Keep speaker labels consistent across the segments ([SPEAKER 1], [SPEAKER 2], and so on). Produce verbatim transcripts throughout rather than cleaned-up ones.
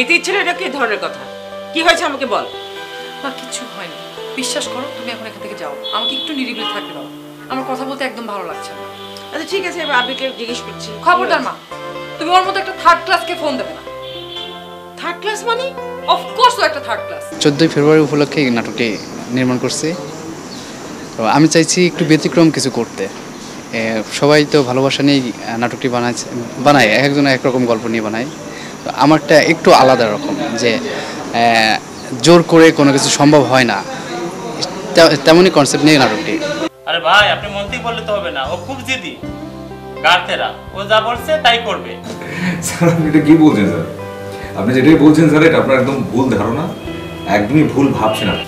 [SPEAKER 1] যেতে ইচ্ছে না, এটা কি ধরনের কথা? কি হয়েছে আমাকে বল।
[SPEAKER 2] মা কিচ্ছু হয়নি, বিশ্বাস করো। তুমি এখন এখান থেকে যাও, আমাকে একটু নিরিবিলি থাকতে দাও। আমার কথা বলতে একদম ভালো লাগছে না।
[SPEAKER 1] আচ্ছা ঠিক আছে, এবার আবিরকে জিজ্ঞেস করছি।
[SPEAKER 2] খবরদার মা, তুমি ওর মতো একটা থার্ড ক্লাসকে ফোন দেবে না।
[SPEAKER 1] থার্ড ক্লাস মানে?
[SPEAKER 2] অফকোর্স ও একটা থার্ড ক্লাস।
[SPEAKER 3] চোদ্দোই ফেব্রুয়ারি উপলক্ষে এই নাটকটি নির্মাণ করছি। তো আমি চাইছি একটু ব্যতিক্রম কিছু করতে। সবাই তো ভালোবাসা নিয়ে নাটকটি বানাচ্ছে, বানায়, এক একজন এক রকম গল্প নিয়ে বানায়। তো আমারটা একটু আলাদা রকম, যে জোর করে কোনো কিছু সম্ভব হয় না, তেমনই কনসেপ্ট নিয়ে নাটকটি।
[SPEAKER 4] আরে ভাই, আপনি মন থেকে বললে তো হবে না, ও খুব জিদি গার্তেরা, ও যা বলছে তাই করবে।
[SPEAKER 5] স্যার আপনি এটা কি বলছেন স্যার? আপনি যেটাই বলছেন স্যার, এটা আপনার একদম ভুল ধারণা, একদমই ভুল ভাবছেন আপনি।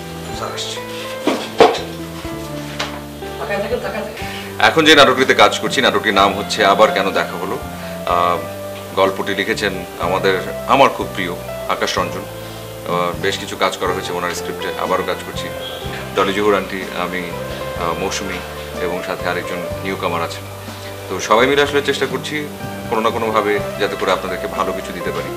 [SPEAKER 6] এখন যে নাটকটিতে কাজ করছি, নাটকটির নাম হচ্ছে আবার কেন দেখা হলো। গল্পটি লিখেছেন আমাদের আমার খুব প্রিয় আকাশ রঞ্জন। বেশ কিছু কাজ করা হয়েছে ওনার স্ক্রিপ্টে, আবারও কাজ করছি। ডলি জহুর আন্টি, আমি, মৌসুমি এবং সাথে আরেকজন নিউ কামার আছেন। তো সবাই মিলে আসলে চেষ্টা করছি কোনো না কোনোভাবে যাতে করে আপনাদেরকে ভালো কিছু দিতে পারি।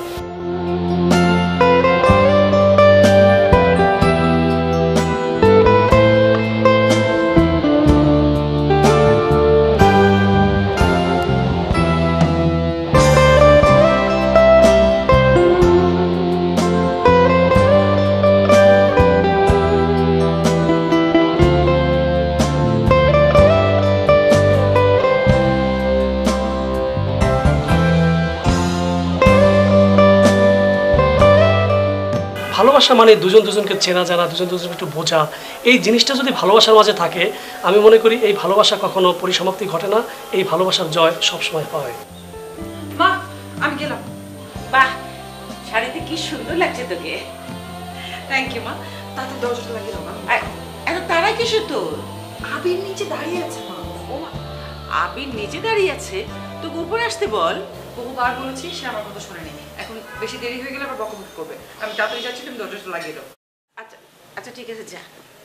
[SPEAKER 7] ভালোবাসা মানে দুজন দুজনকে চেনা জানা, দুজন দুজনকে একটু বোঝা। এই জিনিসটা যদি ভালোবাসার মাঝে থাকে, আমি মনে করি এই ভালোবাসা কখনো পরিসমাপ্তি ঘটে না, এই ভালোবাসার জয় সবসময় হয়।
[SPEAKER 2] মা আমি গেলাম।
[SPEAKER 1] বাহ, শাড়িতে কি সুন্দর লাগছে তোকে।
[SPEAKER 2] থ্যাংক ইউ মা। তাতে দরজাটা লাগিয়ে দাও।
[SPEAKER 1] এত তারা কিসের তোর?
[SPEAKER 2] আবির নিচে দাঁড়িয়ে আছে মা।
[SPEAKER 1] ও মা, আবির নিচে দাঁড়িয়ে আছে, তোকে উপরে আসতে বল।
[SPEAKER 2] বহুবার বলেছি, সে আমার কথা শোনেনি। এখন বেশি দেরি হয়ে গেলে আবার বকবক করবে। আমি তাড়াতাড়ি যাচ্ছি, তুমি দরজাটা লাগিয়ে দাও।
[SPEAKER 1] আচ্ছা আচ্ছা ঠিক আছে, যা।